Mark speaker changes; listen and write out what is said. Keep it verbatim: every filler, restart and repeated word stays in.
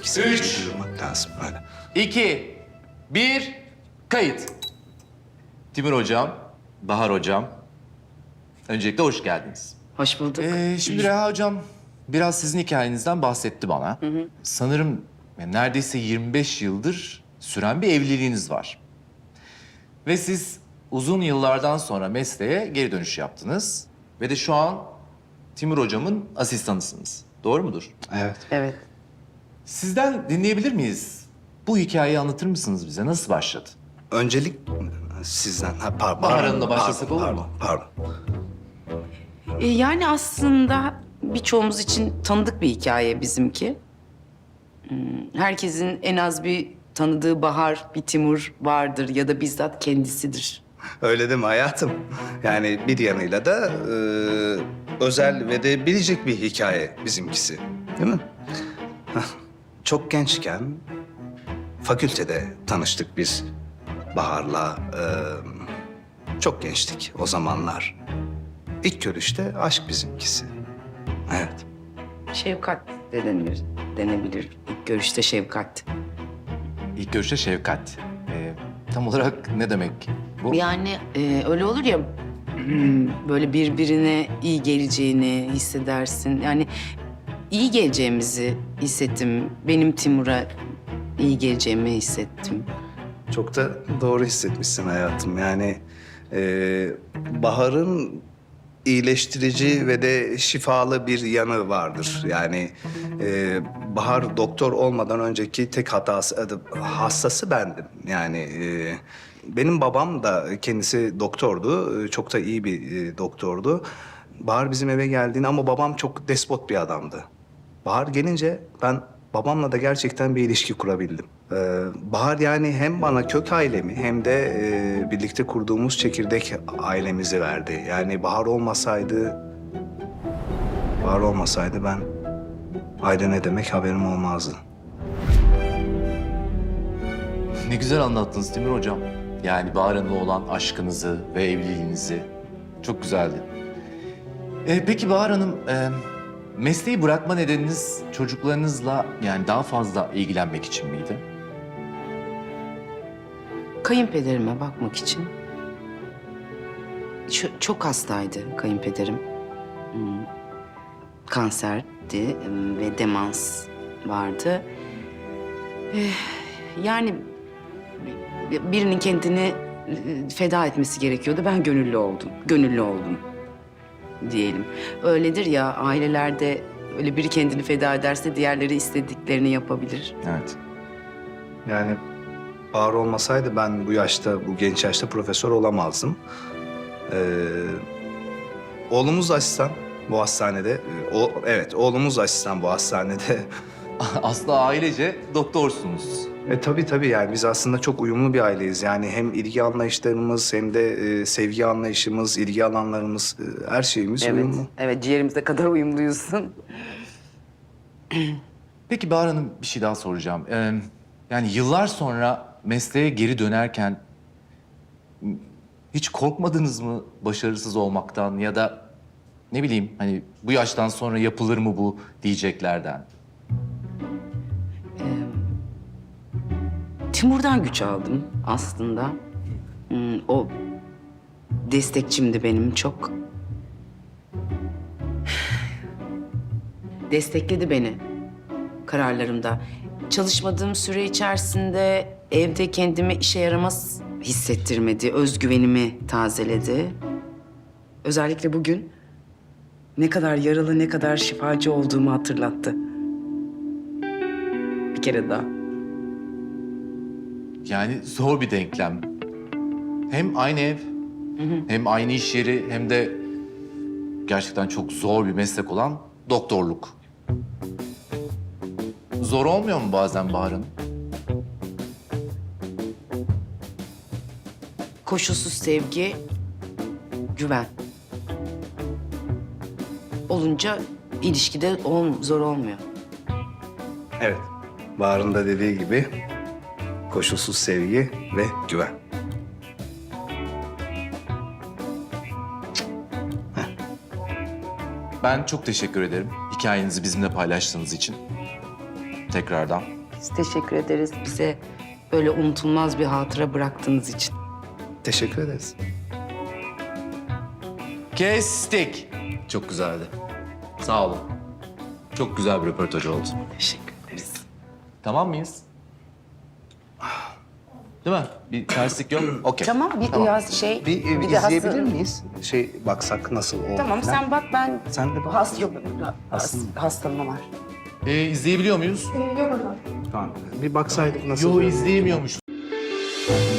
Speaker 1: İkisini
Speaker 2: Üç.
Speaker 1: duyurmak lazım öyle.
Speaker 2: İki, bir, kayıt. Timur Hocam, Bahar Hocam, öncelikle hoş geldiniz.
Speaker 3: Hoş bulduk.
Speaker 2: Ee, şimdi Reha Hocam biraz sizin hikayenizden bahsetti bana. Sanırım yani neredeyse yirmi beş yıldır süren bir evliliğiniz var. Ve siz uzun yıllardan sonra mesleğe geri dönüş yaptınız. Ve de şu an Timur Hocam'ın asistanısınız. Doğru mudur?
Speaker 1: Evet.
Speaker 3: Evet.
Speaker 2: Sizden dinleyebilir miyiz? Bu hikayeyi anlatır mısınız bize? Nasıl başladı?
Speaker 1: Öncelik sizden... Ha, par-
Speaker 2: Bahar
Speaker 1: pardon,
Speaker 2: Hanım'la başlasak
Speaker 1: pardon,
Speaker 2: olur mu?
Speaker 1: Pardon, pardon.
Speaker 3: Ee, yani aslında birçoğumuz için tanıdık bir hikaye bizimki. Hmm, Herkesin en az bir tanıdığı Bahar, bir Timur vardır ya da bizzat kendisidir.
Speaker 1: Öyle değil mi hayatım? Yani bir yanıyla da e, özel ve de bilecek bir hikaye bizimkisi. Değil mi? Hah, Çok gençken fakültede tanıştık biz Bahar'la. e, çok gençtik o zamanlar. İlk görüşte aşk bizimkisi. Evet.
Speaker 3: Şefkat de denilir, denebilir. İlk görüşte şefkat.
Speaker 2: İlk görüşte şefkat. Ee, tam olarak ne demek bu?
Speaker 3: Yani e, öyle olur ya, hmm, böyle birbirine iyi geleceğini hissedersin. Yani iyi geleceğimizi hissettim. Benim Timur'a iyi geleceğimi hissettim.
Speaker 1: Çok da doğru hissetmişsin hayatım. Yani e, Bahar'ın iyileştirici ve de şifalı bir yanı vardır. Yani e, Bahar doktor olmadan önceki tek hatası, adı, hastası bendim. Yani e, benim babam da kendisi doktordu. E, Çok da iyi bir e, doktordu. Bahar bizim eve geldiğinde ama babam çok despot bir adamdı. Bahar gelince ben babamla da gerçekten bir ilişki kurabildim. Ee, Bahar yani hem bana kök ailemi hem de e, birlikte kurduğumuz çekirdek ailemizi verdi. Yani Bahar olmasaydı, Bahar olmasaydı ben aile ne demek haberim olmazdı.
Speaker 2: Ne güzel anlattınız Timur Hocam. Yani Bahar Hanım'la olan aşkınızı ve evliliğinizi. Çok güzeldi. Ee, peki Bahar Hanım, e, mesleği bırakma nedeniniz çocuklarınızla yani daha fazla ilgilenmek için miydi?
Speaker 3: Kayınpederime bakmak için. Ç- çok hastaydı kayınpederim. Hmm, Kanserdi hmm, ve demans vardı. Eh, Yani bi- birinin kendini eh, feda etmesi gerekiyordu. Ben gönüllü oldum. Gönüllü oldum diyelim. Öyledir ya, ailelerde öyle biri kendini feda ederse diğerleri istediklerini yapabilir.
Speaker 2: Evet.
Speaker 1: Yani Bahar olmasaydı ben bu yaşta, bu genç yaşta profesör olamazdım. Ee, oğlumuz asistan bu hastanede. Ee, O, evet, oğlumuz asistan bu hastanede.
Speaker 2: Aslında ailece doktorsunuz.
Speaker 1: E tabii tabii yani biz aslında çok uyumlu bir aileyiz. Yani hem ilgi anlayışlarımız hem de e, sevgi anlayışımız, ilgi alanlarımız, e, her şeyimiz
Speaker 3: Evet,
Speaker 1: uyumlu.
Speaker 3: evet, ciğerimize kadar uyumluyuzsun.
Speaker 2: Peki Bahar Hanım bir şey daha soracağım. Ee, yani yıllar sonra mesleğe geri dönerken m, hiç korkmadınız mı başarısız olmaktan ya da ne bileyim hani bu yaştan sonra yapılır mı bu diyeceklerden?
Speaker 3: Timur'dan güç aldım aslında. Hmm, O destekçimdi benim çok. Destekledi beni kararlarımda. Çalışmadığım süre içerisinde evde kendimi işe yaramaz hissettirmedi. Özgüvenimi tazeledi. Özellikle bugün ne kadar yaralı, ne kadar şifacı olduğumu hatırlattı. Bir kere daha.
Speaker 2: Yani zor bir denklem. Hem aynı ev, hem aynı iş yeri, hem de gerçekten çok zor bir meslek olan doktorluk. Zor olmuyor mu bazen Bahar Hanım?
Speaker 3: Koşulsuz sevgi, güven. Olunca ilişkide ol, zor olmuyor.
Speaker 1: Evet, Bahar'ın da dediği gibi koşulsuz sevgi ve güven.
Speaker 2: Ben çok teşekkür ederim hikayenizi bizimle paylaştığınız için. Tekrardan.
Speaker 3: Biz teşekkür ederiz bize böyle unutulmaz bir hatıra bıraktığınız için.
Speaker 1: Teşekkür ederiz.
Speaker 2: Kestik. Çok güzeldi. Sağ olun. Çok güzel bir röportaj oldu.
Speaker 3: Teşekkür ederiz.
Speaker 2: Tamam mıyız? Değil mi? Bir terslik yok. Okey.
Speaker 3: Tamam bir biraz şey...
Speaker 1: Bir, e,
Speaker 3: bir de
Speaker 1: izleyebilir
Speaker 3: hasta-
Speaker 1: miyiz? Şey baksak nasıl oldu?
Speaker 3: Tamam
Speaker 1: falan.
Speaker 3: sen bak ben...
Speaker 1: Sen de bak.
Speaker 3: Has, yok, has,
Speaker 1: Hasta mı?
Speaker 3: hastalığım var.
Speaker 2: Ee, izleyebiliyor muyuz?
Speaker 1: Tamam. Bir baksaydık nasıl
Speaker 2: Yo
Speaker 1: oluyor?
Speaker 2: izleyemiyormuş.